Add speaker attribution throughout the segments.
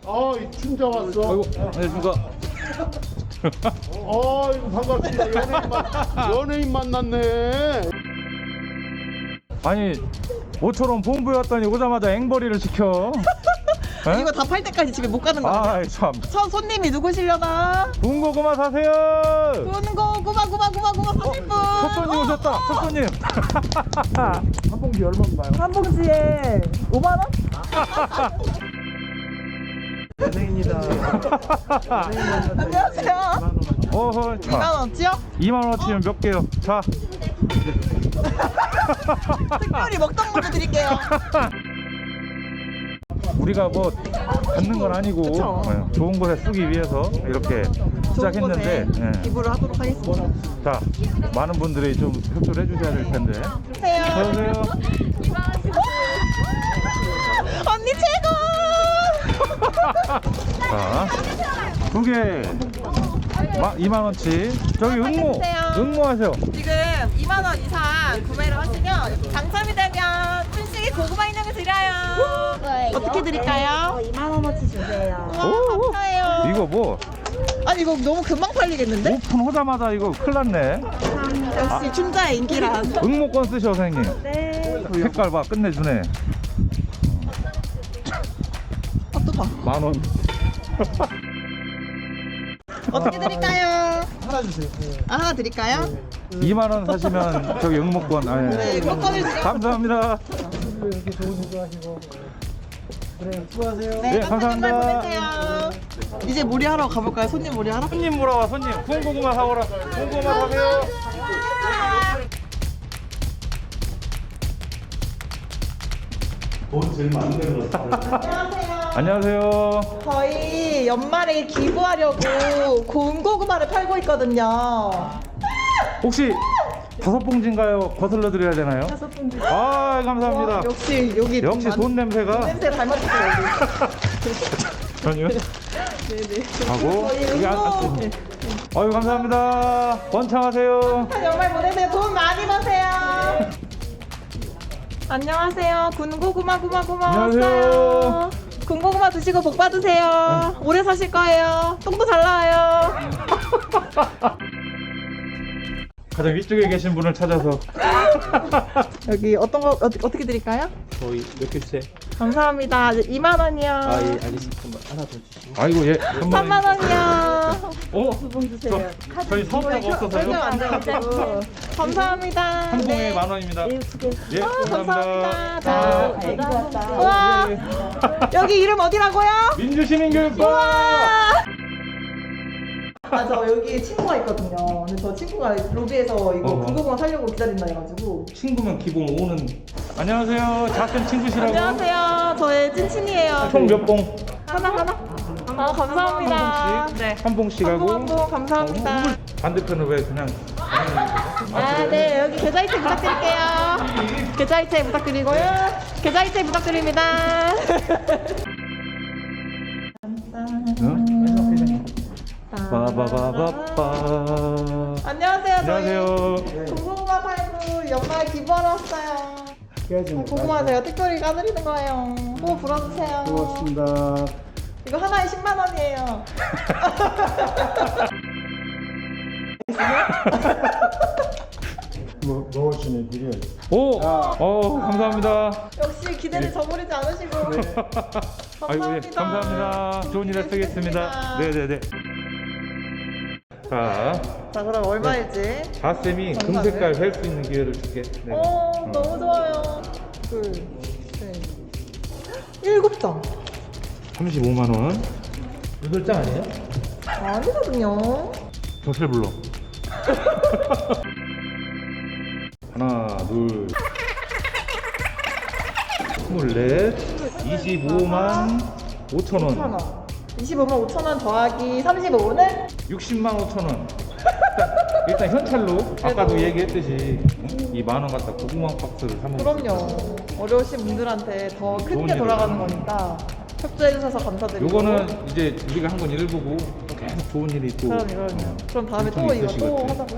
Speaker 1: 아, 이 춘자 왔어.
Speaker 2: 아이고, 안녕하십니까.
Speaker 1: 이거 반갑습니다. 연예인 만났네.
Speaker 2: 아니, 모처럼 본부에 왔더니 오자마자 앵벌이를 시켜. 에?
Speaker 3: 이거 다 팔 때까지 집에 못 가는 거 아니야?
Speaker 2: 아이 참.
Speaker 3: 첫 손님이 누구시려나?
Speaker 2: 군고 그만 사세요.
Speaker 3: 군고 구마 사실 분.
Speaker 2: 첫 손님 오셨다. 첫 손님.
Speaker 1: 한 봉지 얼마인가요?
Speaker 3: 한 봉지에 5만 원?
Speaker 1: 연예인이다.
Speaker 3: 안녕하세요.
Speaker 2: 어허.
Speaker 3: 2만 원치요?
Speaker 2: 2만 원어치면 몇 개요? 자.
Speaker 3: 특별히 먹던 걸로 드릴게요.
Speaker 2: 우리가 뭐 받는 건 아니고
Speaker 3: 그쵸.
Speaker 2: 좋은 곳에 쓰기 위해서 이렇게 시작했는데
Speaker 3: 좋은 곳에 기부를 하도록 하겠습니다.
Speaker 2: 자, 많은 분들이 좀 협조를 해주셔야 될 텐데.
Speaker 3: 안녕하세요.
Speaker 2: 안녕하세요.
Speaker 3: 언니 최고!
Speaker 2: 자, 두 개 2만 원치. 저기 응모,
Speaker 3: 해주세요.
Speaker 2: 응모하세요.
Speaker 3: 지금 2만 원 이상 구매를 하시면 당첨이 되면 춘식이 고구마 인형을 드려요. 어떻게 드릴까요?
Speaker 4: 2만 원어치 주세요.
Speaker 3: 우와, 감사해요.
Speaker 2: 이거 뭐
Speaker 3: 아니 이거 너무 금방 팔리겠는데?
Speaker 2: 오픈하자마자 이거 큰일 났네.
Speaker 3: 역시 춘자의 인기란.
Speaker 2: 응모권 쓰셔, 선생님.
Speaker 4: 네.
Speaker 2: 색깔 봐, 끝내주네.
Speaker 3: 또 봐.
Speaker 2: 10,000원.
Speaker 3: 어떻게 드릴까요?
Speaker 1: 하나 주세요.
Speaker 3: 아, 하나 드릴까요?
Speaker 2: 2만 원 사시면 저기 응모권. 아,
Speaker 3: 네,
Speaker 2: 예.
Speaker 3: 꽃감을 드려.
Speaker 2: 감사합니다.
Speaker 1: 이렇게 좋은 일도 하시고. 그래, 수고하세요.
Speaker 3: 네,
Speaker 2: 네,
Speaker 3: 감사합니다.
Speaker 2: 감사합니다.
Speaker 3: 보내세요. 이제 몰이하러 가볼까요? 손님 몰이하러?
Speaker 2: 손님 물어와, 손님. 군고구마 사오라. 군고구마 사세요.
Speaker 1: 돈 제일 많은 데로
Speaker 2: 안녕하세요.
Speaker 3: 저희 연말에 기부하려고 곰고구마를 팔고 있거든요.
Speaker 2: 혹시 5봉지인가요? 거슬러 드려야 되나요?
Speaker 4: 5봉지.
Speaker 2: 아, 감사합니다.
Speaker 3: 와, 역시 여기
Speaker 2: 역시 돈 냄새가.
Speaker 3: 냄새 닮았어요.
Speaker 2: 전혀.
Speaker 3: 네네.
Speaker 2: 하고
Speaker 3: 저희
Speaker 2: 이게
Speaker 3: 응모
Speaker 2: 아유, 감사합니다. 번창하세요.
Speaker 3: 연말 보내세요. 돈 많이 버세요. 안녕하세요. 군고구마
Speaker 2: 안녕하세요.
Speaker 3: 왔어요. 군고구마 드시고 복 받으세요. 오래 사실 거예요. 똥도 잘 나와요.
Speaker 2: 가장 위쪽에 계신 분을 찾아서.
Speaker 3: 여기 어떤 거 어떻게 드릴까요?
Speaker 5: 저희 몇 개 주세요?
Speaker 3: 감사합니다. 2만 원이요.
Speaker 5: 아, 예, 알겠습니다. 그럼 하나 더 주시고.
Speaker 2: 아이고, 예.
Speaker 3: 3만 원이요.
Speaker 2: 어?
Speaker 3: 주세요.
Speaker 2: 저희 성표가
Speaker 3: 설명
Speaker 2: 없어서요.
Speaker 3: 안 돼가지고. 감사합니다.
Speaker 2: 한 봉에
Speaker 3: 네.
Speaker 2: 10,000원입니다. 예,
Speaker 3: 감사합니다.
Speaker 2: 감사합니다.
Speaker 3: 자, 우와. 여기 이름 어디라고요?
Speaker 2: 민주시민교육과.
Speaker 3: 아, 저 여기 친구가 있거든요. 근데 저 친구가 로비에서 이거
Speaker 2: 어허.
Speaker 3: 군고구마 사려고 기다린다 해가지고.
Speaker 2: 친구면 기본 5는. 안녕하세요. 작은 친구시라고.
Speaker 3: 안녕하세요. 저의 찐친이에요.
Speaker 2: 총 몇 봉?
Speaker 3: 하나? 아, 감사합니다.
Speaker 2: 한 봉씩?
Speaker 3: 네.
Speaker 2: 한 봉씩
Speaker 3: 한
Speaker 2: 하고.
Speaker 3: 봉, 한 봉, 감사합니다.
Speaker 2: 반대편은 왜 그냥.
Speaker 3: 아, 네. 여기 계좌이체 부탁드릴게요. 계좌이체 부탁드리고요. 계좌이체 부탁드립니다.
Speaker 2: 응? 빠바바바빠.
Speaker 3: 안녕하세요.
Speaker 2: 안녕하세요.
Speaker 3: 저희 군고구마 팔고 연말 기부하러 왔어요. 고구마 제가 특별히 까드리는 거예요. 호 불어주세요.
Speaker 1: 고맙습니다.
Speaker 3: 이거 하나에 10만 원이에요.
Speaker 1: 뭐, 먹으시네, 드려야지.
Speaker 2: 오! 감사합니다.
Speaker 3: 역시 기대를 저버리지 않으시고.
Speaker 2: 아이고, 예, 감사합니다. 좋은 일 쓰겠습니다. 네네네. 자,
Speaker 3: 자, 그럼 얼마일지.
Speaker 2: 자쌤이 금색깔 셀 수 있는 기회를 줄게. 네.
Speaker 3: 너무 좋아요. 둘, 셋, 7장.
Speaker 2: 35만원. 8장 아니에요?
Speaker 3: 아니거든요.
Speaker 2: 정실 불러. 하나, 둘, 24, 25만 5천원.
Speaker 3: 25만 5천 원 더하기 35는
Speaker 2: 60만 5천원. 일단 현찰로 아까도 얘기했듯이 이 만원 갖다 고구마 박스를 사면.
Speaker 3: 그럼요. 어려우신 분들한테 더 큰
Speaker 2: 좋은
Speaker 3: 게
Speaker 2: 일을
Speaker 3: 돌아가는
Speaker 2: 하는
Speaker 3: 거니까 협조해 주셔서 감사드리고.
Speaker 2: 요거는 이제 우리가 한 건 일부고 계속 좋은 일이 또.
Speaker 3: 그럼요. 그럼 다음에 또
Speaker 2: 엄청
Speaker 3: 이거 또
Speaker 2: 있으시거든.
Speaker 3: 하자고요?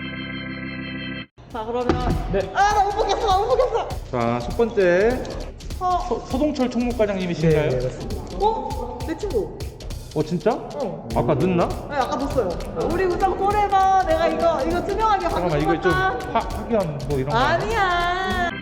Speaker 3: 자, 그러면
Speaker 2: 네.
Speaker 3: 아, 나 못 보겠어.
Speaker 2: 자, 첫 번째 서동철 총무과장님이신가요?
Speaker 5: 네, 맞습니다.
Speaker 3: 어? 내 친구.
Speaker 2: 진짜?
Speaker 3: 어.
Speaker 2: 아까 넣나?
Speaker 3: 네, 아까 넣었어요. 우리 우선 콜해봐. 내가 이거 투명하게
Speaker 2: 잠깐만
Speaker 3: 확인해
Speaker 2: 이거 좀
Speaker 3: 볼까?
Speaker 2: 확연 뭐 이런 거
Speaker 3: 아니야.